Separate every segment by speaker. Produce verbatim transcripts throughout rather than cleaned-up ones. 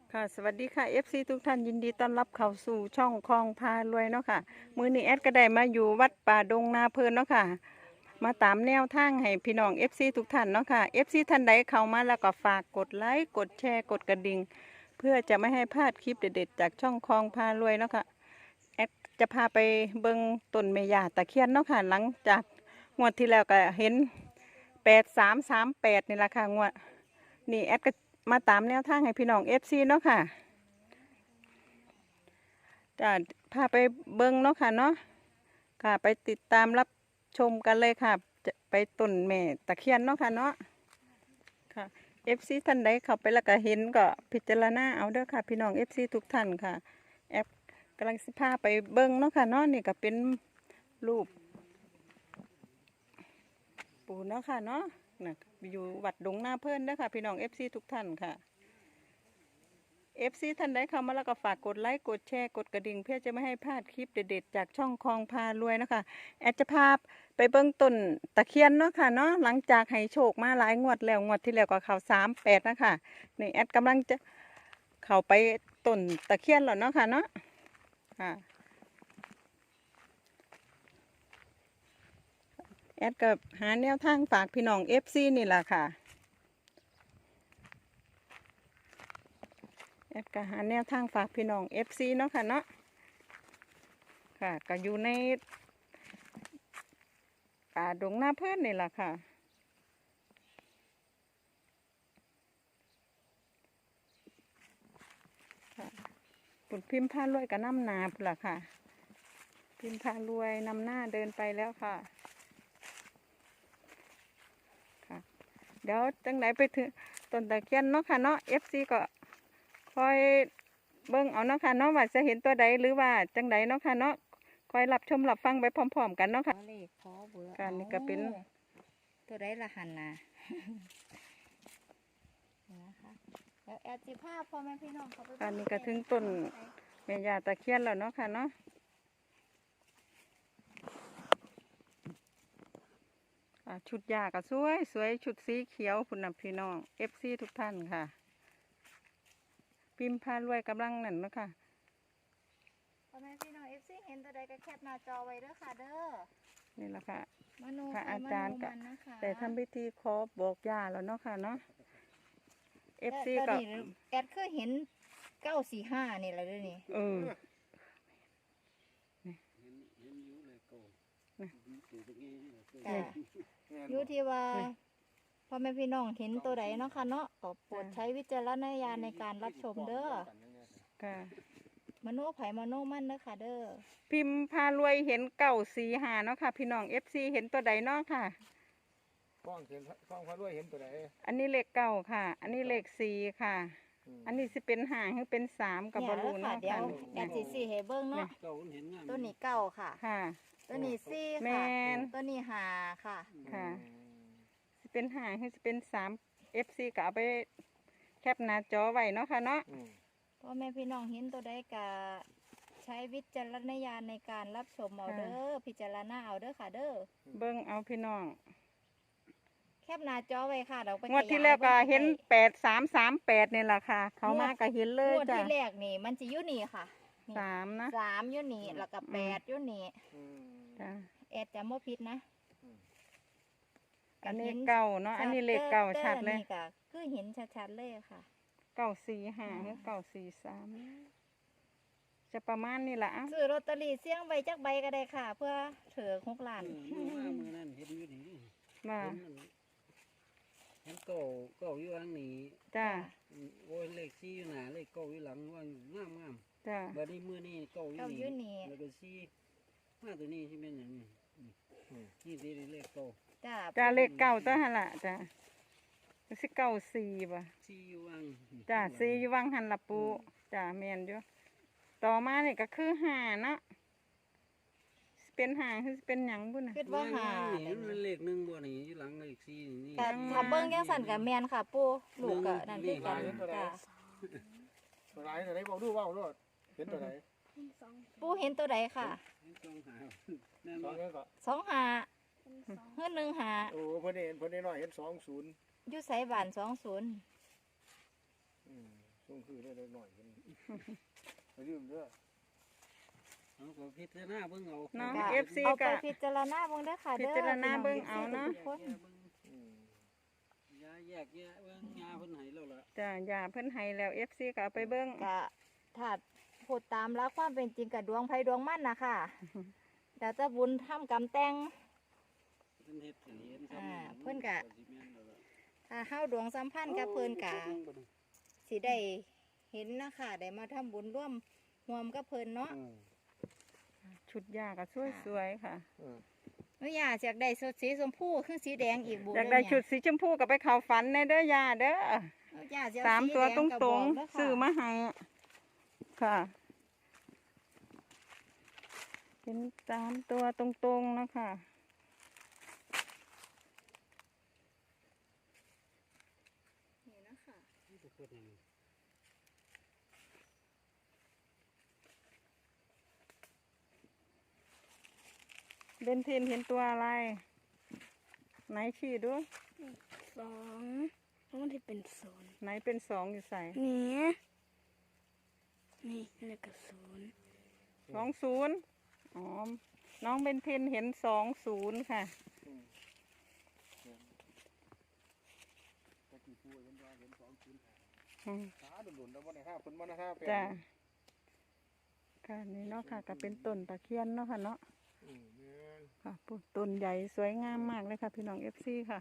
Speaker 1: ค่ะสวัสดีค่ะ เอฟ ซี ทุกท่านยินดีต้อนรับเข้าสู่ช่องคลองพารวยเนาะค่ะมื้อนี้แอดก็ได้มาอยู่วัดป่าดงนาเพลินเนาะค่ะมาตามแนวทางให้พี่น้อง เอฟ ซี ทุกท่านเนาะค่ะ เอฟ ซี ท่านใดเข้ามาแล้วก็ฝากกดไลค์กดแชร์กดกระดิ่งเพื่อจะไม่ให้พลาดคลิปเด็ดๆจากช่องคลองพารวยเนาะค่ะแอดจะพาไปเบิ่งต้นเมยาตะเคียนเนาะค่ะหลังจากงวดที่แล้วก็เห็นแปดสามสามแปดนี่แหละค่ะงวดนี่แอดก็มาตามแนวทางให้พี่น้อง เอฟ ซี เนาะค่ะจะพาไปเบิ้งเนาะค่ะเนาะค่ะไปติดตามรับชมกันเลยค่ะจะไปต้นแม่ตะเคียนเนาะค่ะเนาะค่ะ เอฟ ซี ท่านใดเข้าไปแล้วก็เห็นก็พิจารณาเอาเด้อค่ะพี่น้อง เอฟ ซี ทุกท่านค่ะแอปกำลังสิพาไปเบิ้งเนาะค่ะเนาะนี่ก็เป็นรูปปูเนาะค่ะเนาะนะอยู่วัดดงนาเพิ่นเด้อค่ะพี่น้อง เอฟ ซี ทุกท่านค่ะ เอฟ ซี ท่านใดเข้ามาแล้วก็ฝากกดไลค์กดแชร์กดกระดิ่งเพื่อจะไม่ให้พลาดคลิปเด็ดๆจากช่องคลองพารวยนะคะแอดจะพาไปเบื้องต้นตะเคียนเนาะค่ะเนาะหลังจากให้โชคมาหลายงวดแล้วงวดที่แล้วก็เข้าสามแปดนะคะนี่แอดกำลังจะเข้าไปต้นตะเคียนแล้วเนาะค่ะเนาะค่ะแอดก็หาแนวทางฝากพี่น้อง เอฟ ซี นี่แหละค่ะแอดก็หาแนวทางฝากพี่น้อง เอฟ ซี เนาะค่ะเนาะค่ะก็อยู่ในป่าดงหน้าเพื่อนนี่แหละค่ะปุ่นพิมพ์ผ้ารวยกับน้ำหนาพุ่นล่ะค่ะพิมพ์ผ้ารวยนำหน้าเดินไปแล้วค่ะค่ะเดี๋ยวจังไหนไปถึงต้นตะเคียนเนาะค่ะเนาะ เอฟ ซี ก็คอยเบิ่งเอาเนาะค่ะเนาะว่าจะเห็นตัวใดหรือว่าจังไหนเนาะค่ะเนาะคอยรับชมรับฟังไปพร้อมๆกันเนาะค่ะ
Speaker 2: เลขขอเบอร์
Speaker 1: การนี่ก็เป็น
Speaker 2: ตัวได้ละหันนะนะคะแล้วแอดจิภาพพ่อแม่พี่น้องเขาไป
Speaker 1: การนี้ก็ถึงต้นแม่ยาตะเคียนแล้วเนาะค่ะเนาะชุดยาก็สวยสวยชุดสีเขียวคุณน่ะพี่น้อง เอฟ ซี ทุกท่านค่ะพิมพ์พารวยกำลังนั่นเนาะค่ะ
Speaker 2: พ่อแม่พี่น้องเอฟซีเห็นตัวใดก็แคปหน้าจอไว้เด้อค่ะเด้อ
Speaker 1: นี่แหละค่ะ
Speaker 2: มโน
Speaker 1: ค่ะ
Speaker 2: ไป
Speaker 1: อาจารย์
Speaker 2: มโน
Speaker 1: ก็
Speaker 2: มันนะคะ
Speaker 1: แต่ทำพิธีขอบอกยาแล้วเนาะค่ะเนาะ เอฟ ซี
Speaker 2: แต่
Speaker 1: ก็
Speaker 2: ตอนนี้แอดเคยเห็นเก้าสี่ห้านี่แหละเด้วยนี่
Speaker 1: เออ
Speaker 2: จ้ะอยู่ที่ว่าพ่อแม่พี่น้องเห็นตัวใดเนาะค่ะเนาะก็โปรดใช้วิจารณญาณในการรับชมเด้อ
Speaker 1: ค่ะ
Speaker 2: มโนไผมโนมันเด้อค่ะเด้อ
Speaker 1: พิมพ์พารวยเห็นเก่าสีหาเนาะค่ะพี่น้อง เอฟ ซี เห็นตัวใดเนาะค่ะ
Speaker 3: กล้องเห็นกล้องพระด้วยเห็นตัวไหน
Speaker 1: อันนี้เลขเก้าค่ะ อันนี้เลขสี่ค่ะ อันนี้สิเป็นหางหรือเป็นสามกับบอลู
Speaker 2: เนี่ย
Speaker 1: เนาะ
Speaker 2: เดี๋ย
Speaker 1: ค่ะ
Speaker 2: วแอดสิสี่ให้เบิ้งเนาะ
Speaker 3: เก่าเห็นงาม
Speaker 2: ตัวนี้เก้าค่ะ
Speaker 1: ค่ะ
Speaker 2: ตัวนี้สี่
Speaker 1: แม
Speaker 2: ค่ะ
Speaker 1: น
Speaker 2: ตัวนี้หาค่ะ
Speaker 1: ค่ะ สิเป็นหางหรือสิเป็นสาม เอฟ ซี ก็เอาไปแคปหน้าจอไว้เนาะค่ะเนาะ
Speaker 2: พ่อแม่พี่น้องเห็นตัวใดก็ใช้วิจารณญาณในการรับชมเอาเด้อพิจารณาเอาเด้อค่ะเด้อ
Speaker 1: เบิ่งเอาพี่น้อง
Speaker 2: แคปหน้าจอไว้ค่ะเราไป
Speaker 1: งวดที่แล้วก็เห็นแปดสามสามแปดนี่แหละค่ะ เขามาก็เห็นเลย
Speaker 2: งวด
Speaker 1: จ้ะ
Speaker 2: ที่แรกนี่มันจะอยู่นี่ค่ะนี่
Speaker 1: สามนะ
Speaker 2: สามอยู่นี่แล้วก็แปดอยู่นี่
Speaker 1: จ้ะ
Speaker 2: แอดจะไม่ผิดนะ
Speaker 1: อันนี้เก้าเนาะ อันนี้เลขเก้าชัดเลย
Speaker 2: นี่ก็คือเห็นชัดๆเลยค่ะ
Speaker 1: เก้าสี่ห้าหรือเก้าสี่สามจะประมาณนี้แหละ
Speaker 2: ซื้อลอตเตอรี่เสี่ยงใบจักใบก็ได้ค่ะ เพื่อเถือหกล้าน
Speaker 3: มือมามือนั่นเห็นอยู่นี่
Speaker 1: มา
Speaker 3: เห็นเก่าเก่าอยู่หลังนี้
Speaker 1: จ้า
Speaker 3: โอ้ยเลขสี่อยู่หน้าเลขเก่าอยู่หลังว่างามงาม
Speaker 1: จ้า
Speaker 3: บัดนี้มือนี่เก่าอยู่
Speaker 2: เก้าอยู่
Speaker 3: นี่
Speaker 2: นี่
Speaker 3: แล้วก็สี่มาตัวนี้ที่เป็นอย่างนี้นี่ดีเลขเก่า
Speaker 2: จ้า
Speaker 1: จ้าเลขเก้าตัวหันละจ้าสิเก้าสี่ป่ะ
Speaker 3: สี่อยู่วัง
Speaker 1: จ้าสี่อยู่วังหันละปูจ้าแมนอยู่ต่อมานี่ก็คือห้าเนาะสิเป็นห้าคือสิเป็นหยังบุ่นน่ะ
Speaker 2: คิดว่าหา
Speaker 3: นี่มันเลขหนึ่งบ่นี่อยู่หลังเลขสี่นี่
Speaker 2: แต่ถ้าเบิ้งยังสั่นกับแมนค่ะ ปูลูกก็นั่นคือกันจ้า
Speaker 4: ตัวไหนตัวไหนบอกดูว่าเอาด้วยเห็นตัวไหน
Speaker 2: ปูเห็นตัวใดค่ะ
Speaker 3: ต้องหาแน่น
Speaker 4: ส
Speaker 3: อ
Speaker 4: อง
Speaker 3: น
Speaker 4: เงี้ยก็
Speaker 2: สองหาเฮือหนึ่งหา
Speaker 4: โอ้เพิ่นเห็นเพิ่นได้น้อยเห็นสองศูนย์
Speaker 2: อยู่ไสบานสองศูนย์
Speaker 4: ช่วงคือได้เล็กหน่อยกันไปยืมเด้อ
Speaker 3: เอาก็พิจารณาเบิ่งเอา
Speaker 1: เนาะ
Speaker 2: ก็
Speaker 1: เอฟซี
Speaker 2: เอาไป
Speaker 1: ก็
Speaker 2: พิจารณาเบิ่งเด้อค่ะเด้อ
Speaker 1: พิจารณาเบิ่งเอาเนาะ
Speaker 2: ทุกคน
Speaker 4: อืม
Speaker 3: ยาแยกแยะเบิ่งยาเพิ่นให้แล้วล่ะ
Speaker 1: จ้ะอย่าเพิ่นให้แล้วเอฟซีก็เอาไปเบิ่ง
Speaker 2: ก็ถ้าพูดตามรักความเป็นจริงกับดวงไผดวงมันนะค่ะแต่จะบุญทำกรรมแต่ง
Speaker 3: เพิ่นเฮ็ดให้เห็น
Speaker 2: อ่าเพิ่นก็
Speaker 3: สิแม่นแล้วล่ะ
Speaker 2: ถ้าเฮาดวงสัมพันธ์กับเพิ่นกะสิได้เห็นนะคะได้มาทำบุญร่วมรวมกับเพิ่นเนาะ
Speaker 4: อืม
Speaker 1: ชุดยาก็สวยๆค่ะ
Speaker 4: อืม
Speaker 2: หนูอยากอยากได้สดสีชมพูคือสีแดงอีกบุ
Speaker 1: อยากได้ชุดสีชมพูก็ไปเข้าฝันในเด้อยาเด้อ
Speaker 2: อยากจะ
Speaker 1: สามตัวตรงๆ
Speaker 2: ซื้
Speaker 1: ซื้อ
Speaker 2: อ
Speaker 1: มาให้ค่ะ เป็นสามตัวตรงๆนะคะ
Speaker 2: นี่นะคะ
Speaker 3: นี่ก็เพิ่นให้
Speaker 1: เบนทินเห็นตัวอะไร ไหนชี้ดู
Speaker 5: สองแล้วมันจะเป็นศูนย์
Speaker 1: ไหนเป็นสองอยู่ใส่
Speaker 5: นี่นี่แล้วก็ศูนย์
Speaker 1: สองศูนย์อ๋อ น้องเบนทินเห็นสองศูนย์ค่ะ
Speaker 4: อืมตะกี้พูดเห็นว่าเห็นสองคืน
Speaker 1: อืม
Speaker 4: ขาดุนๆแล้ววันไหนห้าคนวันไหนห้าเป็น
Speaker 1: จ้ะค่ะนี่เนาะค่ะก็เป็นต้นตะเคียนเนาะค่ะเนาะ
Speaker 4: อืมแม่น
Speaker 1: ค่ะปลูกต้นใหญ่สวยงามมากเลยค่ะพี่น้องเอฟซีค่ะ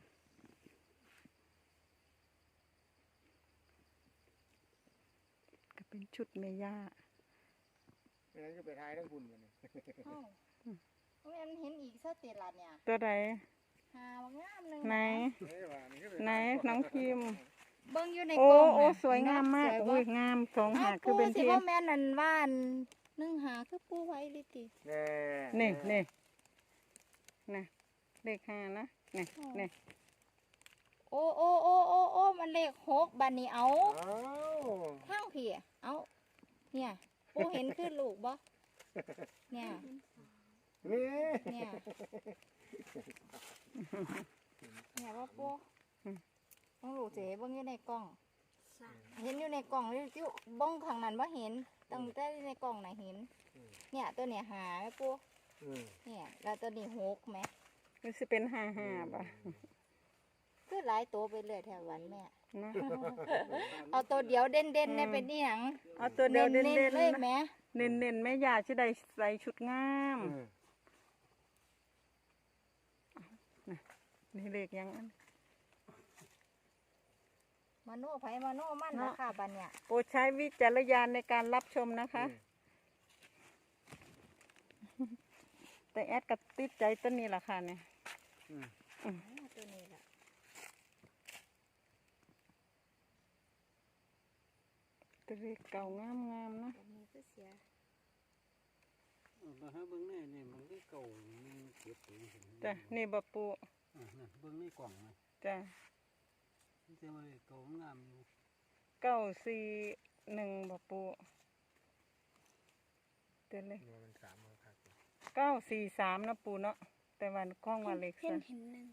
Speaker 1: ก็เป็นชุดเมย่า
Speaker 4: ไม่งั้นก็ไปทายทั้งคุณกันนี่
Speaker 2: เอ้าแม่นเห็นอีกสเตลัดเนี่ย
Speaker 1: ตัวใด
Speaker 2: หาวงามหนึง
Speaker 1: ไหน
Speaker 4: เอ้ยว่านี่ก็ป
Speaker 1: ไหน
Speaker 4: ทาย
Speaker 1: น้องพิมพ์
Speaker 2: เบิ่งอยู่ใน
Speaker 1: โอ้
Speaker 2: กล่อง
Speaker 1: โอ้
Speaker 2: น่ะ
Speaker 1: สวยงามมาก
Speaker 2: สวยบ่
Speaker 1: อุ้ยงามสองหา
Speaker 2: อ้าว
Speaker 1: คือเป็น
Speaker 2: สิ
Speaker 1: เทีย
Speaker 2: บ่
Speaker 1: น
Speaker 2: แม่นอันว่าอันหนึ่งหาคือปูไว้ลิติ
Speaker 4: แน่
Speaker 1: นี่นี่นะเลขห้านะนี่นี่
Speaker 2: โอ้โอ้โอ้โอ้โอ้มันเลขหกบัดนี้เอา
Speaker 4: เอ้า
Speaker 2: ทางพี่เอาเนี่ยปูเห็นคือลูกบ่เนี่ย
Speaker 4: นี่
Speaker 2: เนี่ยเนี่ยว่าปูต้องลูกเจ๋เบิ่งอยู่ในกล่อง
Speaker 5: สาม
Speaker 2: เห็นอยู่ในกล่องอยู่อยู่บ้องข้างนั้นว่าเห็นตั้งแต่ในกล่องน่ะเห็น เนี่ยตัวเนี่ยหาไหมปู
Speaker 4: อืม
Speaker 2: เนี่ยแล้วตัวนี้หกไหม
Speaker 1: มันจะเป็นห้าห้าป่ะ
Speaker 2: คือหลายตัวไปเลยแถววันแม่
Speaker 1: นะ
Speaker 2: เอาตัวเดียวเด่นเด่นๆเนี่ยเป็นนี่หยัง
Speaker 1: เอาตัวเดียวเน้น
Speaker 2: ๆเลย
Speaker 1: ๆ
Speaker 2: แหม่
Speaker 1: เน้นเน้นๆแม่ยาจะได้ใส่ชุดงาม
Speaker 4: อืม
Speaker 1: นี่เลขยังอัน
Speaker 2: มโนไผมโนมันนะค่ะบันเนี่ย
Speaker 1: โปรดใช้วิจารณญาณในการรับชมนะคะ แต่แอดกับติดใจต้นนี้แหละค่ะเนี่ย
Speaker 4: อืม
Speaker 2: อ๋อตัวนี้ล่ะ
Speaker 1: ตัวเลขเก่างามงามๆนะ
Speaker 2: ตัวนี้คือเสีย
Speaker 3: เอามาหาเบิ่งแน่นี่มันคือเก่ามันเก็บอยู่เห็น
Speaker 1: จ้ะนี่บะปู
Speaker 3: อ่ะนั่นเบิ่งในกล่องนะ
Speaker 1: จ้ะ
Speaker 3: มันจะว่าเก่างามอยู่
Speaker 1: เก้าสี่หนึ่งบะปูเดี๋ยวเลย
Speaker 4: นี่มันสามครับ
Speaker 1: เก้าสี่สามนะปูเนาะแต่วันกล้องว่าเล็ก
Speaker 5: เห็น
Speaker 1: ซะ
Speaker 5: เห็นหนึ่ง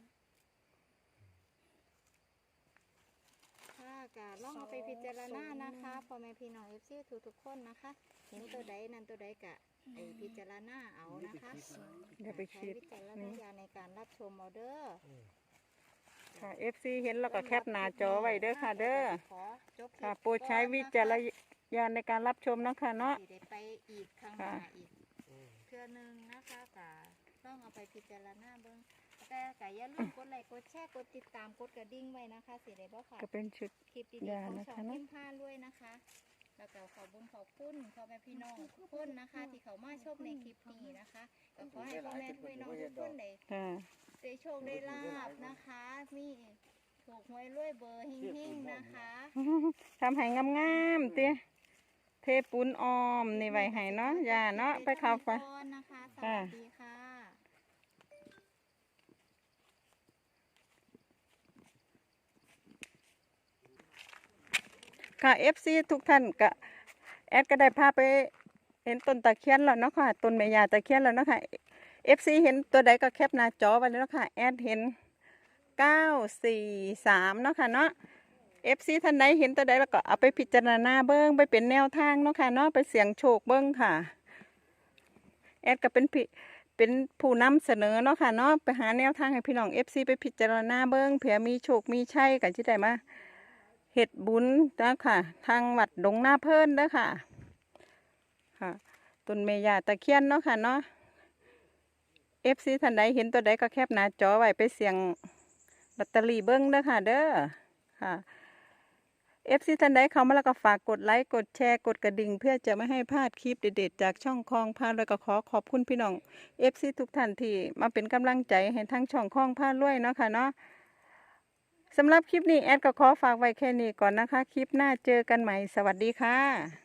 Speaker 2: ค่ะกะลองเอาไปพิจารณานะคะพ่อแม่พี่น้องเอฟซีทุกทุกๆคนนะคะ เห็นตัวใดนั่นตัวใดกะไอพิจารณาเอานะคะ
Speaker 1: อย่าไป
Speaker 2: ใช้
Speaker 1: คิด
Speaker 2: วิจารณญาณในการรับชมเอาเด้อ
Speaker 1: ค่ะ เอฟ ซี เห็นแล้วก็แคปหน้าจอไว้เด้อค่ะเด้อ
Speaker 2: ขอจบลิป
Speaker 1: ค่ะโปรดใช้วิจารณญาณในการรับชมนะคะเนาะ
Speaker 2: สิได้ไปอีกครั้งห
Speaker 1: ค่ะ
Speaker 2: น้าอีกเทื่อหนึงนะคะกะต้องเอาไปพิจารณาเบิ่งแต่กะอย่าลืมกดไลค์กดแชร์กดติดตามกดกระดิ่งไว้นะคะสิได้บ่ค่ะ
Speaker 1: ก็เป็นชุด
Speaker 2: คลิปดี
Speaker 1: อย่า
Speaker 2: ๆของ
Speaker 1: นะคะ
Speaker 2: ช่อง
Speaker 1: เนอะ
Speaker 2: พิมพ์ผ้าด้วยนะคะ แล้วก็ขอบุญขอบคุณพ่อแม่พี่น้องทุกคนนะคะ ที่เขามาชมในคลิปนี้นะคะก็ขอให้พ่อแม่พี่น้องทุกคนได้
Speaker 1: ค่ะ
Speaker 2: ได้โชคได้ลาบนะคะ มีถูกหวยรวยเบอร์หิ่งๆนะคะ
Speaker 1: ทำให้งามๆเตี้ยเทปูนออมนี่ไว้ให้เนาะอย่าเนาะไปเข้าไป
Speaker 2: ก่อนนะคะสวัสดีค่ะ
Speaker 1: ค่ะ เอฟ ซี ทุกท่านก็แอดก็ได้พาไปเห็นต้นตะเคียนแล้วเนาะค่ะต้นแม่ยาตะเคียนแล้วเนาะค่ะ เอฟ ซี เห็นตัวใดก็แคปหน้าจอไว้แล้วเนาะค่ะแอดเห็นเก้าสี่สามเนาะค่ะเนาะเอฟซีท่านใดเห็นตัวใดแล้วก็เอาไปพิจารณาเบิ้งไปเป็นแนวทางเนาะค่ะเนาะไปเสี่ยงโชคเบิ้งค่ะแอดก็เป็นพี่เป็นผู้นำเสนอเนาะค่ะเนาะไปหาแนวทางให้พี่น้องเอฟซีไปพิจารณาเบิ้งเผื่อมีโชคมีชัยกันที่ได้มาเฮ็ดบุญนะค่ะทางวัดดงนาเพิ่นเด้อค่ะค่ะต้นเมยาตะเคียนเนาะค่ะเนาะเอฟซีท่านใดเห็นตัวใดก็แคปหน้าจอไว้ไปเสี่ยงลอตเตอรี่เบิ้งเด้อค่ะเด้อค่ะเอฟซีท่านใดเข้ามาแล้วก็ฝากกดไลค์กดแชร์กดกระดิ่งเพื่อจะไม่ให้พลาดคลิปเด็ดๆจากช่องคลองพารวยก็ขอขอบคุณพี่น้องเอฟซีทุกท่านที่มาเป็นกำลังใจให้ทั้งช่องคลองพารวยเนาะค่ะเนาะสำหรับคลิปนี้แอดก็ขอฝากไว้แค่นี้ก่อนนะคะคลิปหน้าเจอกันใหม่สวัสดีค่ะ